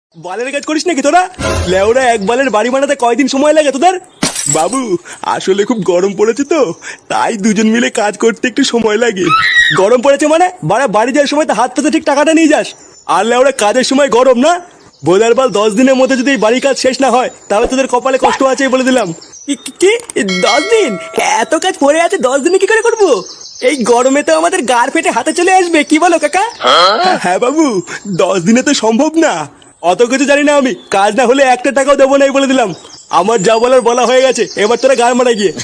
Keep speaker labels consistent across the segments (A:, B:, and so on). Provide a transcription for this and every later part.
A: বালের কাজ করিস নাকি তোরা? লেওরা এক বালের বাড়ি বানাতে কয়দিন সময় লাগে তোদের? বাবু আসলে খুব গরম পড়েছে তো, তাই দুজন মিলে কাজ করতে একটু সময় লাগে। গরম পড়েছে মানে বাড়ি যাওয়ার সময় তো হাত পেতে ঠিক টাকাটা নিয়ে যাস। আর লেওরা কাজের সময় গরম না বোঝার বাল 10 দিনের মধ্যে যদি এই বাড়ির কাজ শেষ না হয় তাহলে তোদের কপালে কষ্ট আছে বলে দিলাম। কি 10 দিন? এত কাজ পড়ে আছে 10 দিনে কি করে করবো? এই গরমে তো আমাদের গার ফেটে হাতে চলে আসবে, কি বলো কাকা? হ্যাঁ বাবু, 10 দিনে তো সম্ভব না। অত কিছু জানি না আমি, কাজ না হলে একটা টাকাও দেবো না বলে দিলাম। আমার যা বলার বলা হয়ে গেছে, এবার তোরা গার মারা গিয়ে।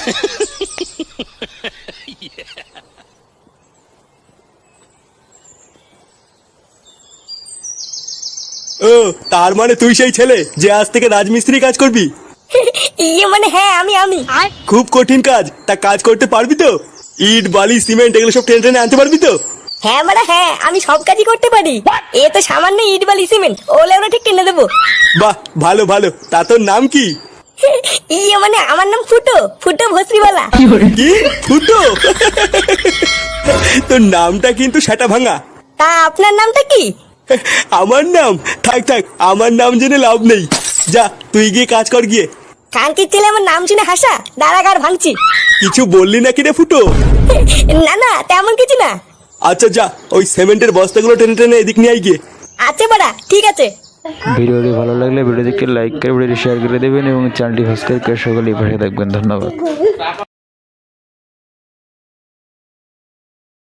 A: ও তার মানে তুই সেই ছেলে যে আজ থেকে রাজমিস্ত্রি কাজ করবি?
B: মানে হ্যাঁ আমি
A: খুব কঠিন কাজ, তা কাজ করতে পারবি তো? ইট বালি সিমেন্ট এগুলো সব টেনে টেনে আনতে পারবি তো?
B: হ্যাঁ মানে হ্যাঁ আমি সব কাজই করতে পারি। এ তো সামান্য ইট বালি সিমেন্ট, ওলে ওরা ঠিক কিনে দেবো।
A: বাহ ভালো ভালো, তা তোর নাম কি?
B: মানে আমার নাম ফুটো, ফুটো ভস্রিওয়ালা।
A: কি ফুটো? তোর নামটা কিন্তু সেটা ভাঙা।
B: তা আপনার নামটা কি?
A: আমার নাম থাক থাক, আমার নাম জেনে লাভ নেই। যা তুই গিয়ে কাজ কর গিয়ে।
B: কাঙ্কির ছেলে আমার নাম শুনে হাসা, দাঁড়াগার ভাঙছি।
A: কিছু বললি নাকি রে ফুটো?
B: না না তেমন কিছু না।
A: আচ্ছা যা, ওই সিমেন্টের বস্তাগুলো টেনে টেনে এদিক নিয়ে আই গিয়ে।
B: আচ্ছা বাড়া ঠিক আছে।
C: ভিডিওটি ভালো লাগলে ভিডিওটিকে লাইক করে ভিডিওটি শেয়ার করে দেবেন এবং চ্যানেলটি সাবস্ক্রাইব করে সকলেই পাশে থাকবেন। ধন্যবাদ।